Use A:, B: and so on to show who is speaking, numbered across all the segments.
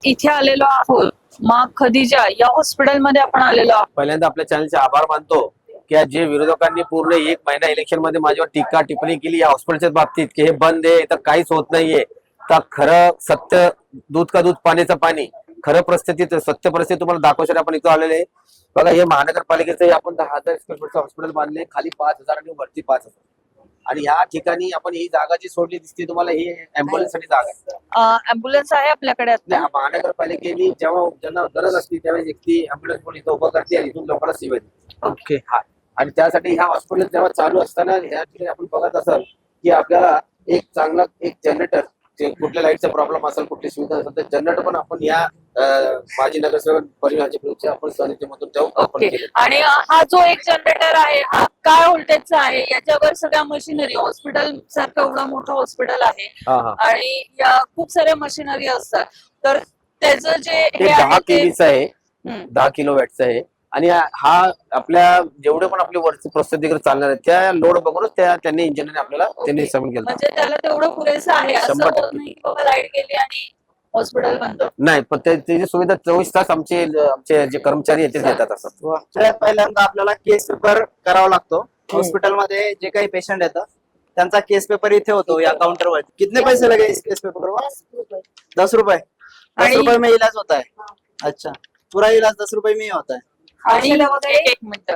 A: इथे आलेलो आहोत माँ खदिजा या हॉस्पिटलमध्ये आपण आलेलो आहोत.
B: पहिल्यांदा आपल्या चॅनलचे आभार मानतो की जे विरोधकांनी पूर्ण 1 महिना इलेक्शन मध्ये माझ्यावर टीका टिप्पणी केली या हॉस्पिटलच्या बाबतीत की हे बंद आहे तर काहीच होत नाहीये, तर खरं सत्य दूध का दूध पाण्याचं पाणी खरं परिस्थितीत सत्य परिस्थिती तुम्हाला दाखवण्यासाठी आपण इथं आलेले आहे. बघा हे महानगरपालिकेचे आपण 10,000 स्क्वेअर फूटचं हॉस्पिटल बांधले, खाली 5,000 आणि वरती 5,000. आणि या ठिकाणी आपण ही जागा जी सोडली दिसते तुम्हाला ही अँब्युलन्स साठी जागा आहे.
A: अँब्युलन्स आहे आपल्याकडे आता.
B: या महानगरपालिकेने जेव्हा ज्यांना गरज असते त्यावेळेस एक ती अँब्युलन्स पण इथं उभं करते आणि इथून लोकांना सेवा देते.
A: ओके.
B: हा आणि त्यासाठी ह्या हॉस्पिटल जेव्हा चालू असताना ह्या ठिकाणी आपण बघत असाल की आपल्याला एक चांगला एक जनरेटर कुठल्या लाईटचा प्रॉब्लेम असेल कुठली सुविधा असेल तर जनरेटर पण आपण या माजी नगरसेवक परिवाराचे आपण समितीमधून
A: ओके. आणि हा जो एक जनरेटर आहे हा काय व्होल्टेजचा आहे, याच्यावर सगळ्या मशिनरी हॉस्पिटल सारखं एवढं मोठं हॉस्पिटल आहे आणि या खूप साऱ्या मशिनरी असतात, तर त्याचं जे हे
B: 10
A: आहे ते
B: केवीचं आहे, 10 किलोवॅटचं आहे. आणि हा आपल्या जेवढे पण आपली वरची प्रस्तुतीकडे चालणार आहे त्या लोड बघूनच त्यांनी इंजिनिअरने आपल्याला त्यांनी सबमिट केलं.
A: म्हणजे त्याला तेवढं पुरेसं आहे, असं
B: 100%
A: होत नाही की बाबा लाईट गेली आणि हॉस्पिटल बंद.
B: नाही, पण त्याची सुविधा 24 तास आमचे जे कर्मचारी आहेत ते देतात असं.
C: सगळ्यात पहिल्यांदा आपल्याला केस पेपर करावा लागतो. हॉस्पिटलमध्ये जे काही पेशंट येतात त्यांचा केस पेपर इथे होतो या काउंटरवर. कितने पैसे लगे इस केस पेपर को? 10 रुपए. 10 रुपए में इलाज होता है. अच्छा, पूरा इलाज 10 रुपए में ही होता है.
A: आणि एक मिनिट,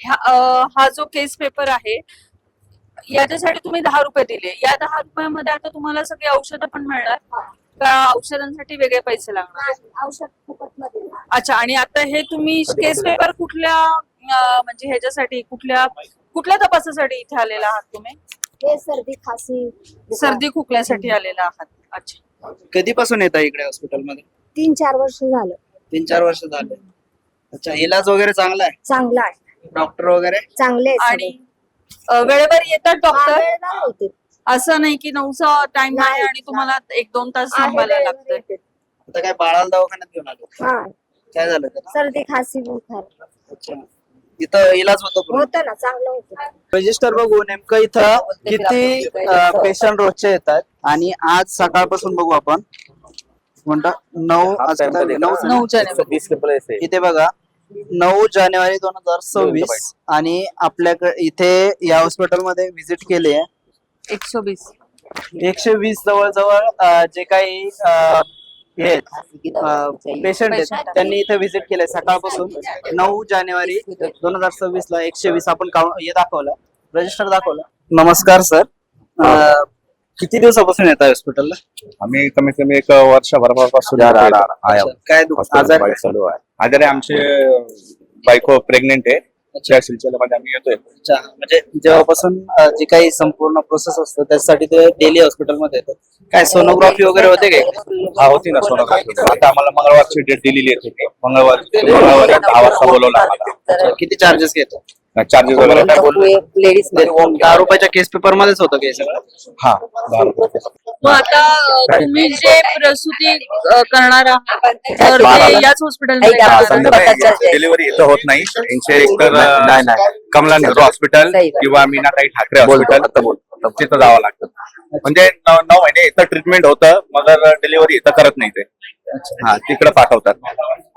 A: हा जो केस पेपर आहे याच्यासाठी तुम्ही 10 रुपये दिले, या 10 रुपयामध्ये आता तुम्हाला सगळी औषधं पण मिळणार का? औषधांसाठी वेगळे पैसे लागणार?
D: औषध फुकटमध्ये.
A: अच्छा. आणि आता हे तुम्ही केस पेपर कुठल्या म्हणजे ह्याच्यासाठी कुठल्या तपासासाठी इथे आलेला आहात तुम्ही?
D: हे सर्दी खासी
A: सर्दी खोकल्यासाठी आलेला आहात. अच्छा.
C: कधीपासून येता इकडे हॉस्पिटलमध्ये?
D: 3-4 वर्ष झालं.
C: 3-4 वर्ष झाले. अच्छा, इलाज वगैरे चांगला आहे?
D: चांगला आहे.
C: डॉक्टर वगैरे
D: चांगले आहेत
A: आणि
D: सगळे.
A: वेळेवर येतात डॉक्टर?
D: वेळेवर होते.
A: असं नाही की 9चा टाइम आहे आणि तुम्हाला 1-2 तास थांबायला
D: वेळेवर
A: लागतंय?
D: येते.
C: आता काय बाळाला दवाखान्यात घेऊन आलो?
D: हा,
C: काय झालं त्याला?
D: सर्दी खासी बुखार
C: अच्छा, इथं इलाज होतो पूर्ण?
D: होतं ना, चांगलं होतं.
C: रजिस्टर बघू नेमकं इथं किती पेशंट रोजचे येतात. आणि आज सकाळपासून बघू आपण म्हणता 9
A: जानेवारी.
B: 20 के प्लस आहे.
C: इथे बघा 9 जानेवारी 2024 आणि आपल्याकडे इथे या हॉस्पिटलमध्ये व्हिजिट केली आहे
A: 120.
C: 120 जवळजवळ जे काही पेशंट आहेत त्यांनी इथे व्हिजिट केलंय सकाळपासून. 9 जानेवारी 2026 ला 120 आपण हे दाखवलं, रजिस्टर दाखवलं. नमस्कार सर, किती दिवसापासून येत आहे हॉस्पिटलला?
E: आम्ही कमीत कमी 1 वर्षभरापासून
C: काय आजार
E: चालू आहे. आजारी आमचे बायको प्रेग्नेंट आहे, त्या सिलसिल्यामध्ये आम्ही येतोय.
C: अच्छा, म्हणजे जेव्हापासून जी काही संपूर्ण प्रोसेस असतो त्यासाठी ते डेली हॉस्पिटलमध्ये येतात. काय सोनोग्राफी वगैरे होते काय?
E: हा, होती ना सोनोग्राफी. आता आम्हाला मंगळवारची डेट दिलेली आहे. मंगळवारी 10 वाजता बोलवलं आम्हाला.
C: किती चार्जेस घेतो?
E: चार्जेस वगैरे काय बोलले?
C: 10 रुपयाच्या केस पेपर मध्येच होतं काय सगळं?
E: हा, 10 रुपये.
A: मग आता तुम्ही जे प्रसूती करणार आहात तर ते याच हॉस्पिटलमध्ये?
E: डिलिव्हरी इथं होत नाही. यांचे एकतर कमला नेहरू हॉस्पिटल किंवा मीनाताई ठाकरे हॉस्पिटल तिथं जावं लागतं. म्हणजे 9 महिने इथं ट्रीटमेंट होतं, मगर डिलिव्हरी इथं करत नाही ते. हा, तिकडे पाठवतात.